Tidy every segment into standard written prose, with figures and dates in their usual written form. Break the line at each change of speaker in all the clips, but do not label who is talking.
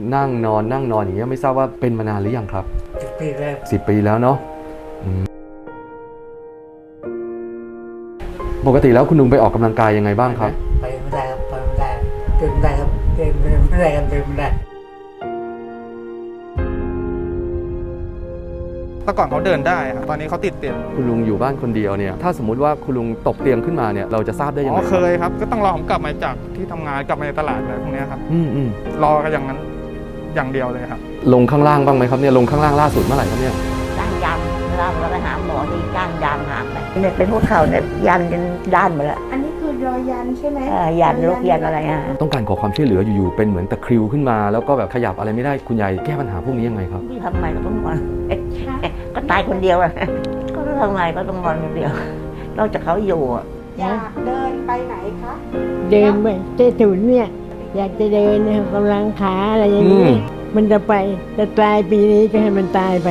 นั่งนอนอย่างเงี้ยไม่ทราบว่าเป็นมานานหรือยังครับ
10 ปีแล้ว
10 ปีแล้วเนาะปกติแล้วคุณลุงไปออกกำลังกายยังไงบ้างครับ
ไปไม่ได้ครับไปไม่ได้เดินไม่ได้ครับเดินไม่ได้กันเดินไม่ได้
แต่ก่อนเขาเดินได้ครับตอนนี้เขาติดเตียง
คุณลุงอยู่บ้านคนเดียวเนี่ยถ้าสมมุติว่าคุณลุงตกเตียงขึ้นมาเนี่ยเราจะทราบได้ยังไง
เคยครับก็ต้องรอผมกลับมาจากที่ทำงานกลับมาในตลาดอะไรพวกนี้ครับรอกันอย่างนั้นอย่างเดียวเลยครับ
ลงข้างล่างบ้างไหมครับเนี่ยลงข้างล่างล่าสุดเมื่อไหร่ครับเนี่ย
ก้านยำเวลาเราไปหาหมอนี่ก้านยำหางไปเนี่ยเป็นหัวเข่าเนี่ยยันจนด้านหมดแล้ว
อันนี้คือรอยยันใช่ไหม
ยันลูกยันอะไร
ต้องการขอความช่วยเหลืออยู่ๆเป็นเหมือนตะคริวขึ้นมาแล้วก็แบบขยับอะไรไม่ได้คุณยายแก้ปัญหาพวกนี้ยังไงครับ
ทำไมก็ต้องนอนก็ตายคนเดียวอะก็ทำไงก็ต้องนอนคนเดียวนอกจากเขาอยู่
อยากเดินไปไหนคะ
เดินไปเจ้าถุนเนี่ยอยากจะเดินนะกำลังขาอะไรอย่างนี้มันจะไปจะตายปีนี้ก็ให้มันตายไป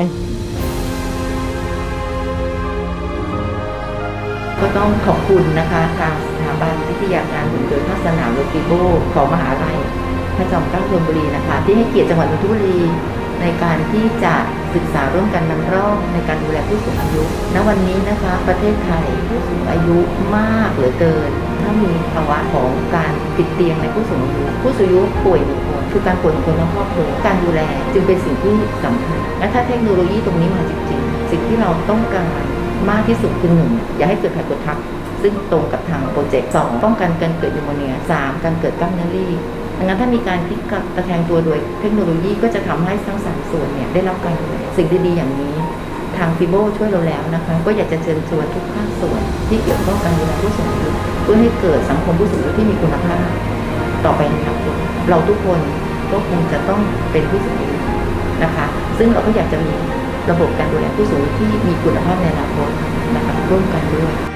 ก็ต้องขอบคุณนะคะทางสถาบันวิทยาการหุ่นยนต์ภาคสนามโลกิโบของมหาลัยพระจอมเกล้าธนบุรีนะคะที่ให้เกียรติจังหวัดนนทบุรีในการที่จะศึกษาร่วมกันนำร่องในการดูแลผู้สูงอายุณวันนี้นะคะประเทศไทยผู้สูงอายุมากเหลือเกินถ้ามีภาวะของการติดเตียงในผู้สูงอายุป่วยหนึ่งคนคือการป่วยของคนทั้งครอบครัวการดูแลจึงเป็นสิ่งที่สำคัญและถ้าเทคโนโลยีตรงนี้มาจริงๆสิ่งที่เราต้องการมากที่สุดคือ1อย่าให้เกิดไขกดทับซึ่งตรงกับทางโปรเจกต์2ป้องกันการเกิดนิวโมเนีย3การเกิดกล้ามเนื้อรีบดังนั้นถ้ามีการพลิกตะแคงตัวโดยเทคโนโลยีก็จะทำให้ทั้ง3ส่วนเนี่ยได้รับการดูแลสิ่งดีๆอย่างนี้ทางฟิโบช่วยเราแล้วนะคะก็อยากจะเชิญชวนทุกภาคส่วนที่เกี่ยวข้องกับการดูแลผู้สูงอายุเพื่อให้เกิดสังคมผู้สูงอายุที่มีคุณภาพต่อไปในอนาคตเราทุกคนก็คงจะต้องเป็นผู้สูงอายุนะคะซึ่งเราก็อยากจะมีระบบการดูแลผู้สูงอายุที่มีคุณภาพในอนาคตนะคะร่วมกันด้วย